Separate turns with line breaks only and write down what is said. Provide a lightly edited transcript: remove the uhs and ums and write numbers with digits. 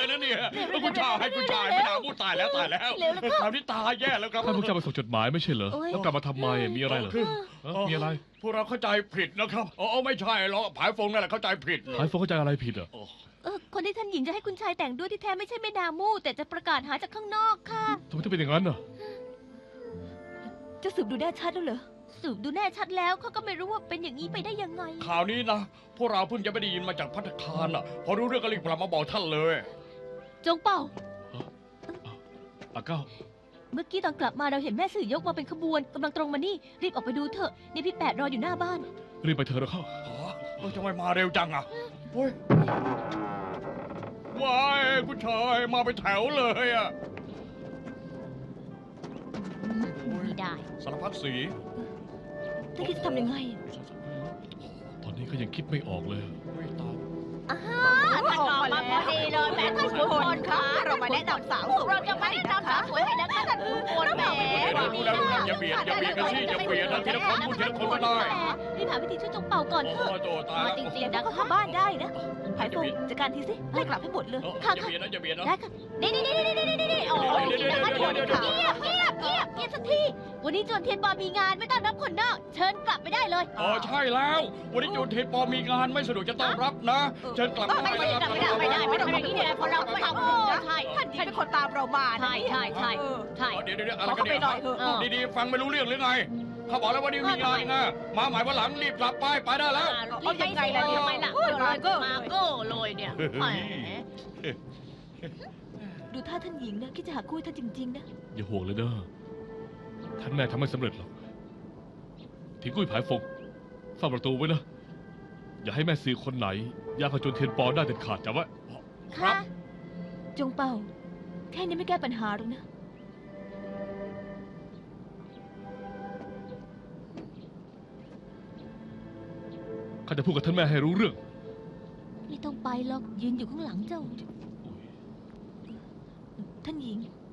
นะเนี่ยคุณชายไม่น่าพูดตายแล้วคราวนี้ตายแย่แล้วครับ
ท่านพวกเจ้ามาส่งจดหมายไม่ใช่เหรอแล้วกลับมาทำไมมีอะไรเหรอมีอะไร
พวกเราเข้าใจผิดนะครับไม่ใช่หรอกผายฟงนั่นแหละเข้าใจผิด
หายโฟเข้าใจอะไรผิดอ่ะ
คนที่ท่านหญิงจะให้คุณชายแต่งด้วยที่แท้ไม่ใช่แม่นามู่แต่จะประกาศหาจากข้างนอกค่ะ
ทำไมถึงเป็นอย่างนั้นอ่ะ
จะสืบดูแน่ชัดแล้วเหรอสืบดูแน่ชัดแล้วเขาก็ไม่รู้ว่าเป็นอย่างนี้ไปได้ยังไง
ข่าวนี้นะพวกเราเพิ่งจะไม่ได้ยินมาจากภัตตาคารอ่ะพอรู้เรื่องก็รีบกลับมาบอกท่านเลย
จงเป่า
อาเก้า
เมื่อกี้ตอนกลับมาเราเห็นแม่สื่อยกมาเป็นขบวนกำลังตรงมานี่รีบออกไปดูเถอะนี่พี่แปดรออยู่หน้าบ้าน
รีบไปเถอะนะเข้า
ทำไมมาเร็วจังอ่ะเฮ้ยว้ายคุณชายมาเป็นแถวเลยอ่ะ
ไม่ได้
สารพัดสี
ท่านคิดจะทำยังไง
ตอนนี้ก็ยังคิดไม่ออกเลย
ท่านออกมาพอดีเลยแม่ท่านขุนพลคะเรามาแนะนำสาวสวยเราจะมาแนะนำสาวสวยให้นะคะท่านขุนพลแหม
รู้แล้วอย่าเบียดกันสิอย่าเบียดนะทีละคนพูดทีละคนก็ได้
รีบหาวิธีช่วยจงเป่าก่อนเถอะ
โตตาย
จริงๆนะเข้าบ้านได้นะไผ่ฟงจัดการทีสิไล่กลับให้หมดเลยค่ะ
อย่าเบียดนะอย่าเบียดนะ
ได้ค่ะนี่โอ้ยจริงๆนะคะเงียบสักทีวันนี้จวนเทียนปอมีงานไม่ต้อนรับคนนอกเชิญกลับไปได้เลย
ใช่แล้ววันนี้จูนเทปอมีงานไม่สะดวกจะต้อนรับนะเชิญกลับ
ไม่ได้ไม่ทำอย่างนี้เนี่ยเพราะเราไม่ทำใช่ท่านเป็นคนตามเรามาใช่
เดี๋ยวอะไรกันเนี่ยดีๆฟังไม่รู้เรื่องหรือไงเขาบอกแล้วว่านี่มีงานไงมาหมายว่าหลังรีบกลับไปได้แล้ว
เอายังไงล่ะทำไมล่ะมาโก้เลยเนี่ยดูท่าท่านหญิงนะคิดจะหาคู่ท่านจริงๆนะ
อย่าห่วงเลยเด้อท่านแม่ทำไม่สำเร็จหรอกทิ้งกุ้ยผายฟงเฝ้าประตูไว้นะอย่าให้แม่ซื้อคนไหนย่างขจนเทียนปอได้เด็ดขาดจำไว้
ค่ะจงเป่าแค่นี้ไม่แก้ปัญหาหรอกนะ
ข้าจะพูดกับท่านแม่ให้รู้เรื่อง
ไม่ต้องไปหรอกยืนอยู่ข้างหลังเจ้าท่านหญิง